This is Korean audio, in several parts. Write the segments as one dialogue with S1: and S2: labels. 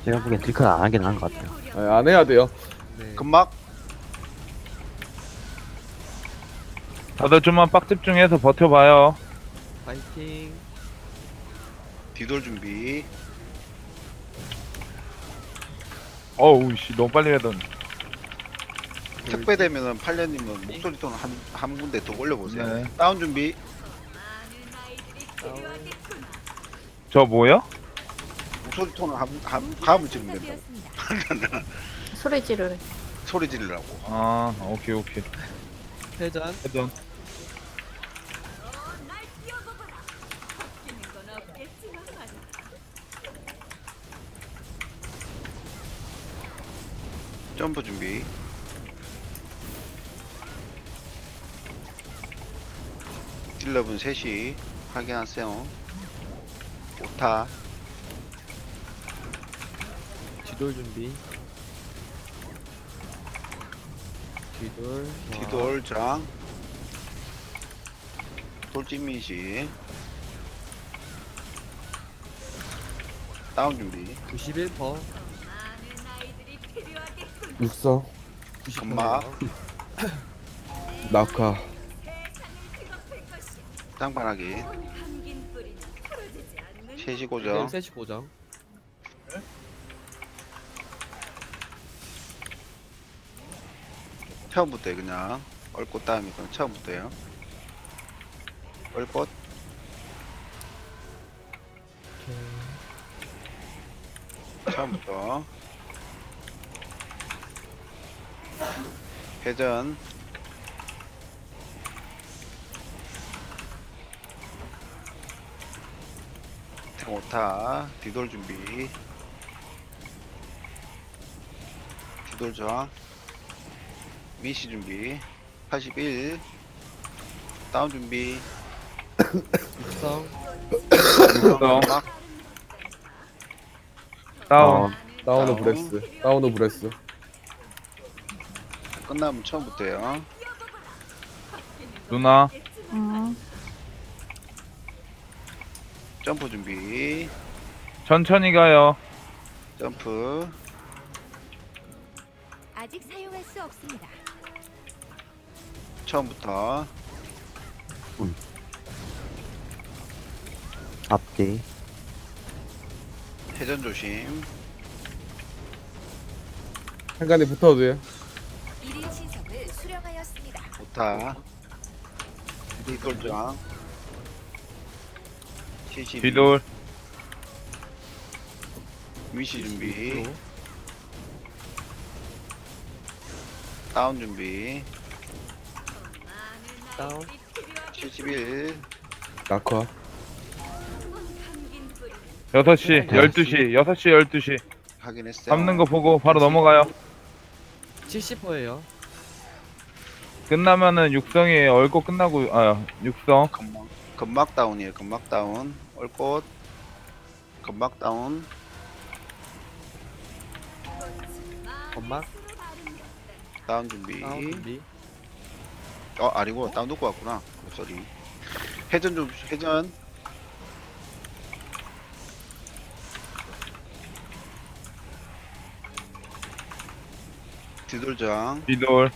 S1: 제가 보기엔 딜컷 안 하긴 한 것 같아요.
S2: 아, 안 해야 돼요.
S3: 네.
S4: 금막
S5: 다들 좀만 빡 집중해서 버텨봐요.
S3: 파이팅.
S4: 뒤돌 준비.
S5: 어우 씨 너무 빨리 가던.
S4: 택배 되면은 팔려님은 목소리 톤 한 군데 더 올려보세요.
S5: 네.
S4: 다운 준비.
S5: 저 뭐요?
S4: 목소리 톤을 한 감을 찍으면 된다고.
S6: 소리 지르래.
S4: 소리 지르라고.
S5: 아 오케이 오케이.
S3: 회전.
S5: 해전.
S4: 점프 준비. 딜러분 셋이 확인하세요. 오타.
S3: 뒤돌 준비. 뒤돌.
S4: 뒤돌 장. 돌진미시. 다운 준비.
S3: 91%.
S2: 육성,
S4: 금막.
S2: 낙하,
S4: 쌍판하기. 셋이 고정.
S3: 셋이 고정.
S4: 처음부터 그냥 얼꽃 다음에 그냥 처음부터요. 얼꽃. 처음부터. 회전. 오타. 뒤돌 준비. 뒤돌 저항. 미시 준비. 81. 다운 준비.
S3: 육성.
S5: 육성.
S4: 막
S5: 다운.
S2: 다운오 브레스, 다운오 브레스.
S4: 끝나면 처음부터요.
S5: 누나.
S4: 점프 준비.
S5: 천천히 가요.
S4: 점프.
S7: 아직 사용할 수 없습니다.
S4: 처음부터.
S1: 앞뒤.
S4: 회전 조심.
S2: 한간에 붙어도 돼요.
S7: 1인 신석을 수령하였습니다.
S4: 오타. 뒤돌장. 72.
S5: 뒤돌.
S4: 미시 준비. 다운 준비.
S3: 다운.
S4: 71.
S2: 낙하,
S5: 6시 12시 6시 12시
S4: 확인했어요.
S5: 잡는 거 보고 바로 넘어가요.
S3: 70%예요.
S5: 끝나면은 육성이에요. 얼고 끝나고 육성.
S4: 금막 다운이에요. 금막 다운. 얼꽃. 금막 다운.
S3: 건막.
S4: 다운 준비.
S3: 다운 준비.
S4: 아니고 다운 놓고 왔구나. 쏘리. 회전 좀 회전. 뒤돌장.
S5: 뒤돌.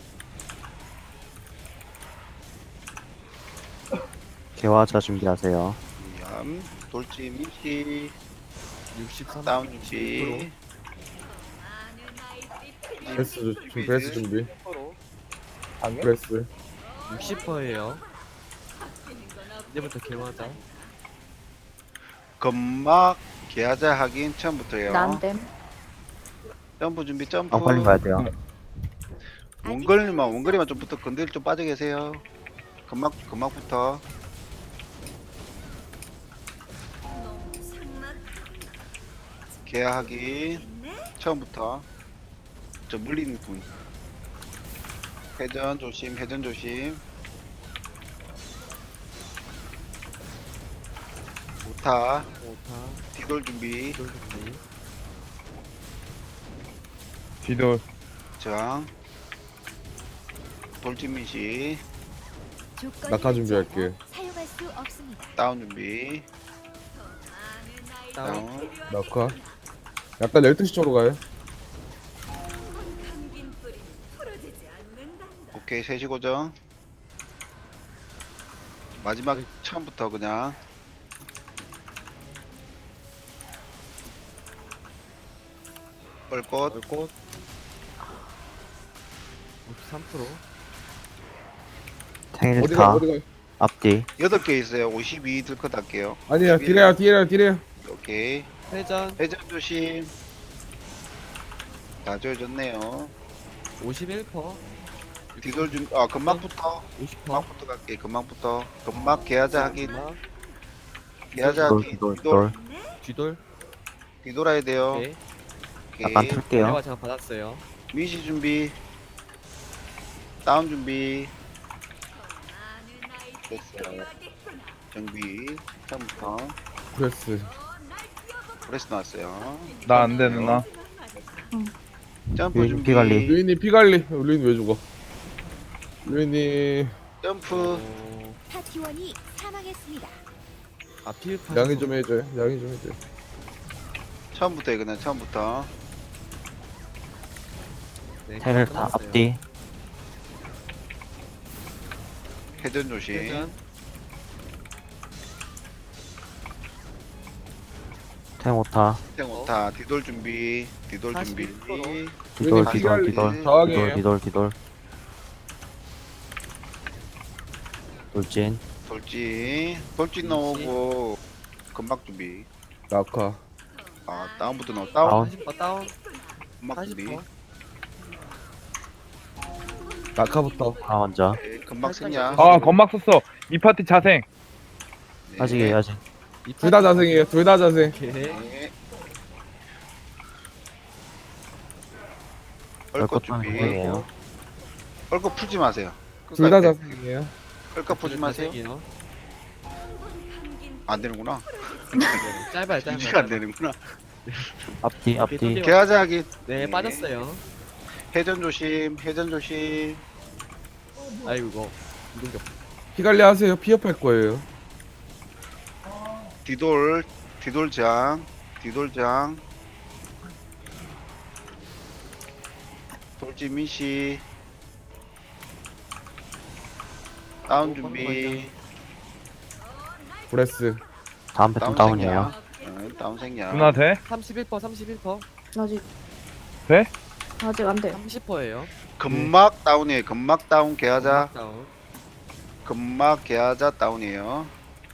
S1: 개화자 준비하세요.
S4: 얌. 돌진 미시.
S3: 63.
S4: 다운 준비.
S2: 브레스, 브레스 준비. 브레스,
S3: 60%예요. 이제부터 개맞아.
S4: 금막 계하자 확인 처음부터요.
S6: 난댐.
S4: 점프 준비 점프.
S1: 빨리 가야 돼요.
S4: 원거리만 좀 붙어 건들 좀 빠져 계세요. 금막부터. 계하 확인 처음부터. 저 물리는 분. 회전 조심, 회전 조심. 오타.
S3: 5타.
S4: 뒤돌 준비.
S3: 뒤돌 준비.
S5: 뒤돌.
S4: 저항. 돌진미시.
S2: 낙하 준비할게.
S7: 사용할 수 없습니다.
S4: 다운 준비.
S3: 다운.
S4: 다운.
S2: 낙하, 약간 12시 쪽으로 가요.
S4: 오케이 3시 고정. 마지막 처음부터 그냥 뻘꽃
S3: 얼꽃 53%.
S2: 어디가
S1: 탱일타
S2: 어디가?
S1: 앞뒤
S4: 8개 있어요. 52 들컷 할게요.
S2: 아니야 딜해요.
S4: 오케이
S3: 회전
S4: 회전 조심. 다 조여졌네요.
S3: 51%.
S4: 뒤돌 금방부터
S3: 50%.
S4: 금방부터 갈게. 금방부터 금방 개하자 하기.
S3: 음악,
S4: 개하자
S1: 돌
S4: 하기.
S1: 뒤돌
S4: 뒤돌
S1: 돌
S3: 뒤돌.
S4: 뒤돌아야 돼요.
S3: 오케이.
S1: 약간
S4: 오케이.
S1: 틀게요.
S3: 대화 제가 받았어요.
S4: 미시 준비. 다운 준비. 됐어요. 정비. 처음부터
S2: 브레스.
S4: 브레스 나왔어요.
S5: 나 안 돼 누나.
S4: 점프
S1: 유인
S4: 준비.
S1: 피관리.
S2: 루인이 피갈리. 루인 왜 죽어? 루인이
S4: 점프.
S7: 파티원이 사망했습니다.
S3: 앞필
S2: 양해 좀 해줘요.
S4: 처음부터 해 그냥 처음부터.
S3: 네,
S1: 탱일타
S3: 끝났어요.
S1: 앞뒤
S4: 회전 조심.
S3: 회전.
S1: 탱오타
S4: 생오타 뒤돌 준비. 뒤돌 준비.
S3: 41%.
S1: 뒤돌
S2: 루인이
S1: 뒤돌
S2: 피갈리.
S1: 뒤돌
S2: 저항이에요.
S1: 뒤돌 돌진
S4: 돌진 나오고 금박 준비.
S2: 낙하.
S4: 아 다운부터 나오. 다운.
S3: 40% 다운.
S4: 금박 준비.
S3: 40%.
S2: 낙하부터.
S1: 아 먼저
S4: 네, 금박 생략.
S5: 아 건막 썼어. 이 파티 자생.
S4: 네.
S1: 아직이에요 아직
S2: 둘 다 자생이에요. 둘 다 자생.
S3: 오케이.
S4: 네.
S1: 얼꽃
S4: 얼꽃 준비.
S1: 탱이에요
S4: 얼꽃 풀지 마세요.
S2: 둘 다
S4: 끝까지.
S2: 자생이에요.
S4: 얼꽃 풀지 마세요.
S3: 자생이요.
S4: 안 되는구나.
S3: 짧아요,
S4: 유지가 안
S3: 짧아요.
S4: 되는구나.
S1: 앞뒤 앞뒤
S3: 돌려.
S4: 개하자 하기.
S3: 네, 빠졌어요.
S4: 회전 조심. 회전 조심.
S3: 아이고, 이거. 이동격.
S2: 피갈리 하세요. 피업할 거예요.
S4: 뒤돌장. 돌진 미시. 다운 준비.
S2: 브레스.
S1: 다음 패턴 다운이에요
S4: 다운 생략.
S5: 누나 돼?
S3: 31%.
S6: 아직
S5: 돼?
S6: 아직 안 돼요.
S3: 30%예요.
S4: 금막 다운이에요. 금막 다운 개하자.
S3: 다운.
S4: 금막 개하자 다운이에요.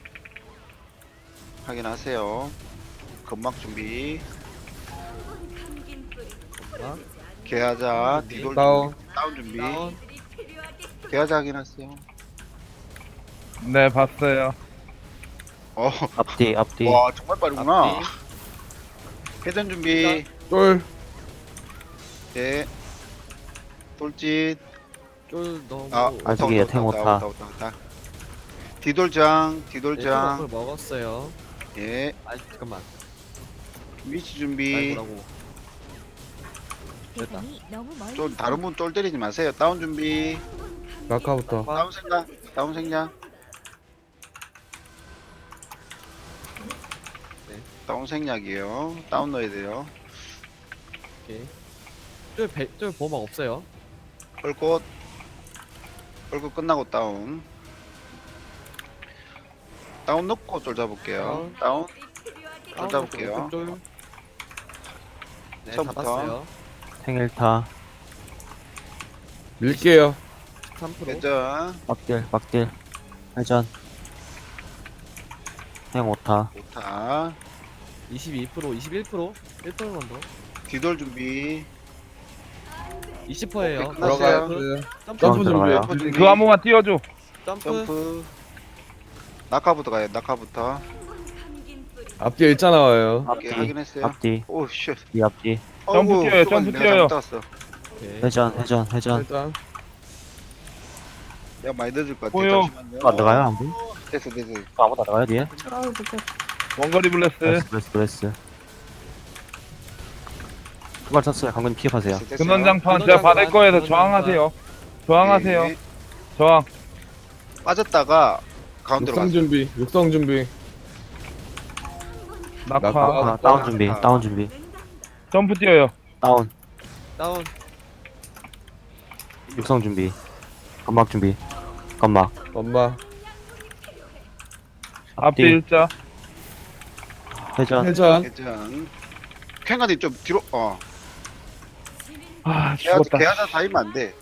S4: 확인하세요. 금막 준비.
S3: 음악,
S4: 개하자.
S3: 준비.
S4: 뒤돌
S2: 다운.
S4: 준비. 다운 준비.
S3: 다운.
S4: 개하자 확인하세요.
S5: 네 봤어요.
S1: 앞뒤
S4: 와 정말 빠르구나.
S3: 앞뒤.
S4: 회전 준비.
S2: 쫄.
S4: 네. 돌진.
S3: 쫄 너무.
S1: 아직이에요, 탱오타.
S4: 뒤돌장.
S3: 네,
S4: 뒤돌장.
S3: 쫄 먹었어요.
S4: 예.
S3: 아, 잠깐만.
S4: 위치 준비.
S3: 아이고라고. 됐다.
S7: 대상이 너무 멀리
S4: 쫄 다른 분 쫄 때리지 마세요. 다운 준비.
S2: 낙하부터.
S4: 다운 생각. 다운 생각.
S3: 네.
S4: 다운 생략이에요. 다운 넣어야 돼요.
S3: 오케이. 쫄 보호막 없어요.
S4: 헐꽃. 헐꽃 끝나고 다운. 다운 넣고 쫄 잡을게요. 다운. 쫄 잡을게요.
S3: 쫄. 네,
S4: 처음부터.
S3: 잡았어요.
S1: 탱일타
S2: 밀게요.
S3: 13%.
S4: 회전.
S1: 막딜 회전 탱오타
S4: 오타.
S3: 22%, 21%. 1%만 더.
S4: 뒤돌 준비.
S3: 20%예요.
S4: 끝났어요.
S2: 들어가요.
S3: 점프.
S2: 점프
S1: 들어가요.
S2: 준비.
S5: 그 한 번만 띄워줘.
S3: 점프.
S4: 점프. 낙하부터 가요. 낙하부터.
S2: 앞뒤에 일자 나와요.
S4: 오케이,
S1: 앞뒤
S4: 확인했어요.
S1: 앞뒤
S4: 오 쉣.
S1: 이 앞뒤
S5: 점프
S4: 어이구,
S5: 뛰어요,
S4: 수고하셨네.
S5: 점프
S4: 내가
S5: 뛰어요.
S4: 잘못 땄어.
S3: 오케이.
S1: 회전
S2: 일단
S4: 내가 많이 늦을 것 같아.
S5: 보여.
S4: 잠시만요.
S1: 안 들어가요 아무도?
S4: 됐어.
S1: 아무도 안 들어가요 뒤에?
S6: 아우 못해.
S5: 원거리 블레스.
S1: 브레스 후발 쳤어요 강근 피업하세요
S4: 됐어요.
S5: 근원장판 제가 받을 거에서 저항하세요. 저항하세요.
S4: 네.
S5: 저항.
S4: 빠졌다가 가운데로
S2: 육성
S4: 갔어.
S2: 준비. 육성 준비.
S5: 낙하.
S2: 낙하.
S1: 아, 다운 준비
S5: 점프 뛰어요.
S1: 다운.
S3: 다운.
S1: 육성 준비. 건막 준비. 건막.
S2: 엄마.
S5: 앞뒤
S1: 뒤.
S5: 일자.
S1: 회전.
S2: 회전.
S4: 회전. 캔가님 좀 뒤로,
S5: 아, 죽었다.
S4: 개하자 다이면 안 돼.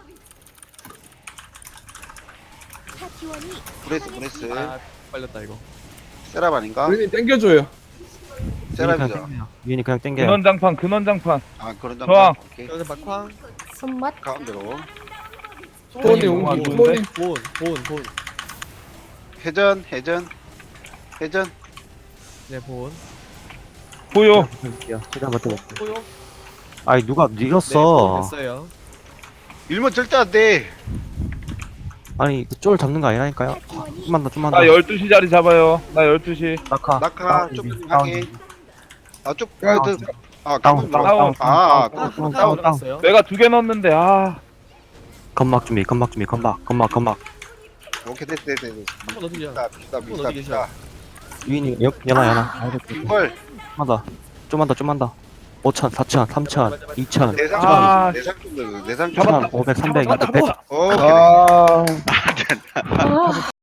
S7: 파티원이
S4: 브레스.
S3: 아, 빨렸다 이거.
S4: 세랍 아닌가?
S2: 루인이 땡겨줘요.
S4: 세랍이죠.
S1: 유인이 그냥 땡겨요.
S5: 근원장판, 근원장판.
S4: 아, 그런 점.
S5: 저항.
S4: 오케이.
S3: 여기서 막황.
S7: 손맛
S4: 가운데로.
S2: 토니
S5: 너무 안
S2: 옹기.
S5: 좋은데?
S2: 토니.
S3: 본.
S4: 회전.
S3: 네, 본.
S5: 보여.
S1: 최대한 버텨볼게.
S3: 포요.
S1: 아이, 누가
S3: 네, 본
S1: 밀었어.
S3: 됐어요.
S4: 일면 절대 안 돼.
S1: 아니, 그쫄 잡는 거 아니라니까요?
S7: 파티원이
S1: 좀만
S5: 나
S1: 더.
S5: 12시 자리 잡아요. 나 12시.
S1: 낙하.
S4: 낙하
S1: 다운,
S4: 좀
S1: 다운.
S4: 하게. 쪽.
S2: 다운.
S4: 아,
S1: 다운,
S4: 다운.
S5: 다운,
S4: 아,
S1: 다운,
S4: 다운.
S1: 다운.
S3: 들어갔어요.
S5: 내가 2개 넣었는데, 아.
S1: 건막 준비. 건막.
S4: 오케이, 됐어.
S3: 한번 더 뛰자.
S4: 비싸.
S3: 어디 계셔?
S1: 유인이 연아.
S4: 이걸
S1: 좀만 더. 5천, 4천, 3천, 2천,
S4: 내상
S5: 아,
S4: 내상 좀 내상 좀.
S5: 잡았다.
S1: 500, 300,
S5: 잡았다,
S1: 100.
S5: 잡았다.
S4: 오케이.
S2: 아.